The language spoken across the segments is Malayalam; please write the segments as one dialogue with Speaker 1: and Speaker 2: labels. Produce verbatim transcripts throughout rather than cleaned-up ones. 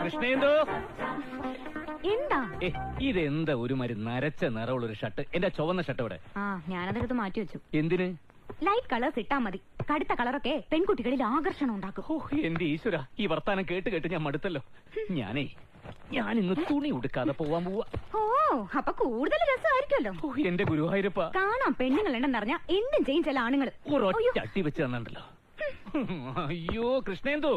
Speaker 1: കൃഷ്ണേന്ദു
Speaker 2: എന്താ
Speaker 1: ഇതെന്താ ഒരു മാതിരി നരച്ച നിറമുള്ള ഒരു ഷർട്ട്? എന്റെ ചുവന്ന ഷർട്ട് ഇവിടെ.
Speaker 2: ആ ഞാനതെടുത്ത് മാറ്റി വെച്ചു.
Speaker 1: എന്തിന്?
Speaker 2: ലൈറ്റ് കളേഴ്സ് ഇട്ടാ മതി. കടുത്ത കളറൊക്കെ പെൺകുട്ടികളിൽ ആകർഷണം ഉണ്ടാക്കും.
Speaker 1: ഓ എന്റെ ഈശ്വര, ഈ വർത്താനം കേട്ട് കേട്ട് ഞാൻ മടുത്തല്ലോ. ഞാനേ ഞാൻ ഇന്ന് തുണി ഉടുക്കാതെ പോവാൻ പോവാ.
Speaker 2: ഓ അപ്പൊ കൂടുതൽ രസമായിരിക്കുമല്ലോ.
Speaker 1: ഓ എന്റെ ഗുരുവായൂരപ്പ,
Speaker 2: കാണാം പെണ്ണുങ്ങൾ ഉണ്ടെന്നറിഞ്ഞ എന്തും ചെയ്യും ചില ആണുങ്ങൾ.
Speaker 1: ചട്ടി വെച്ച് തന്നിട്ടുണ്ടല്ലോ. അയ്യോ കൃഷ്ണേന്ദു,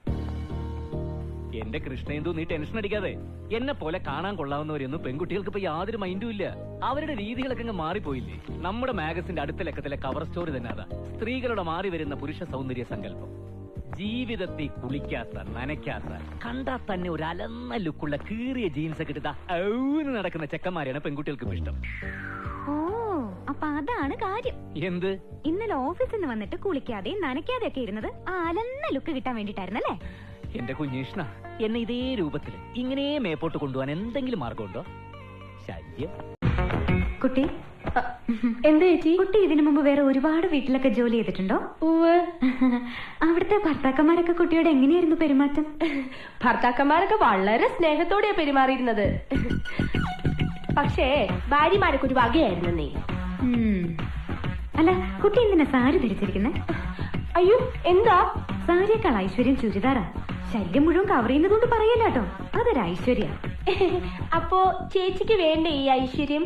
Speaker 1: എന്റെ കൃഷ്ണേന്ദു, നീ ടെൻഷൻ അടിക്കാതെ. എന്നെ പോലെ കാണാൻ കൊള്ളാവുന്നവരൊന്നും പെൺകുട്ടികൾക്ക് ഇപ്പൊ യാതൊരു മൈൻഡും ഇല്ല. അവരുടെ രീതികളൊക്കെ അങ്ങ് മാറിപ്പോയില്ലേ? നമ്മുടെ മാഗസിന്റെ അടുത്ത ലക്കത്തിലെ കവർ സ്റ്റോറി തന്നെ അതാ. സ്ത്രീകളുടെ മാറി വരുന്ന പുരുഷ സൗന്ദര്യ സങ്കല്പം. ജീവിതത്തിൽ കുളിക്കാത്ത, നനയ്ക്കാത്ത, കണ്ടാ തന്നെ ഒരു അലന്ന ലുക്കുള്ള കീറിയ ജീൻസ് ഒക്കെ ഇട്ടാ ഔന്ന് നടക്കുന്ന ചെക്കന്മാരെയാണ് പെൺകുട്ടികൾക്ക് ഇഷ്ടം.
Speaker 2: ഓ അപ്പൊ അതാണ് കാര്യം.
Speaker 1: എന്ത്?
Speaker 2: ഇന്നലെ ഓഫീസിൽ നിന്ന് വന്നിട്ട് കുളിക്കാതെ നനയ്ക്കാതെ ഒക്കെ ഇരുന്നത് ആ അലന്ന ലുക്ക് കിട്ടാൻ വേണ്ടിട്ടായിരുന്നല്ലേ?
Speaker 1: എന്റെ കുഞ്ഞീഷ്ണ, എന്നെ ഇതേ രൂപത്തില് ഇങ്ങനെ മേപ്പോട്ട് കൊണ്ടുപോകാൻ എന്തെങ്കിലും മാർഗമുണ്ടോ? ശല്യം.
Speaker 2: കുട്ടി എന്താ ചേച്ചി? കുട്ടി ഇതിനു മുമ്പ് വേറെ ഒരുപാട് വീട്ടിലൊക്കെ ജോലി ചെയ്തിട്ടുണ്ടോ? അവിടുത്തെ ഭർത്താക്കന്മാരൊക്കെ കുട്ടിയോട് എങ്ങനെയായിരുന്നു പെരുമാറ്റം?
Speaker 3: ഭർത്താക്കന്മാരൊക്കെ വളരെ സ്നേഹത്തോടെയാ പെരുമാറിയിരുന്നത്. പക്ഷേ ഭാര്യമാരൊക്കെ ഒരു വകയായിരുന്നു. നീ
Speaker 2: അല്ല, കുട്ടി എന്തിനാ സാരി ധരിച്ചിരിക്കുന്നേ?
Speaker 3: അയ്യോ എന്താ?
Speaker 2: സാരിയേക്കാൾ ഐശ്വര്യം ചുരിദാറാ. ശല്യം മുഴുവൻ കവർ ചെയ്യുന്നതുകൊണ്ട് പറയല്ല കേട്ടോ, അതൊരു ഐശ്വര്യ.
Speaker 3: അപ്പോ ചേച്ചിക്ക് വേണ്ടേ ഈ ഐശ്വര്യം?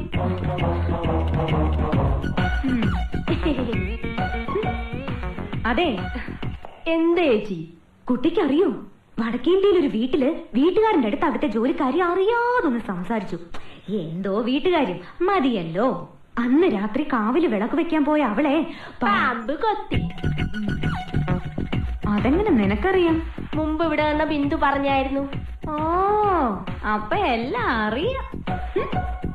Speaker 2: അതെ.
Speaker 3: എന്താ ചേച്ചി?
Speaker 2: കുട്ടിക്കറിയോ, വടക്കേന്ത്യയിൽ ഒരു വീട്ടില് വീട്ടുകാരന്റെ അടുത്ത് അവിടുത്തെ ജോലിക്കാരി അറിയാതൊന്ന് സംസാരിച്ചു. എന്തോ വീട്ടുകാര്യം മതിയല്ലോ. അന്ന് രാത്രി കാവില് വിളക്ക് വെക്കാൻ പോയ അവളെ
Speaker 3: പാമ്പ് കൊത്തി.
Speaker 2: അതെങ്ങനെ നിനക്കറിയാം?
Speaker 3: മുമ്പ് ഇവിടെ വന്ന ബിന്ദു പറഞ്ഞായിരുന്നു.
Speaker 2: ഓ അപ്പൊ എല്ലാം അറിയാം.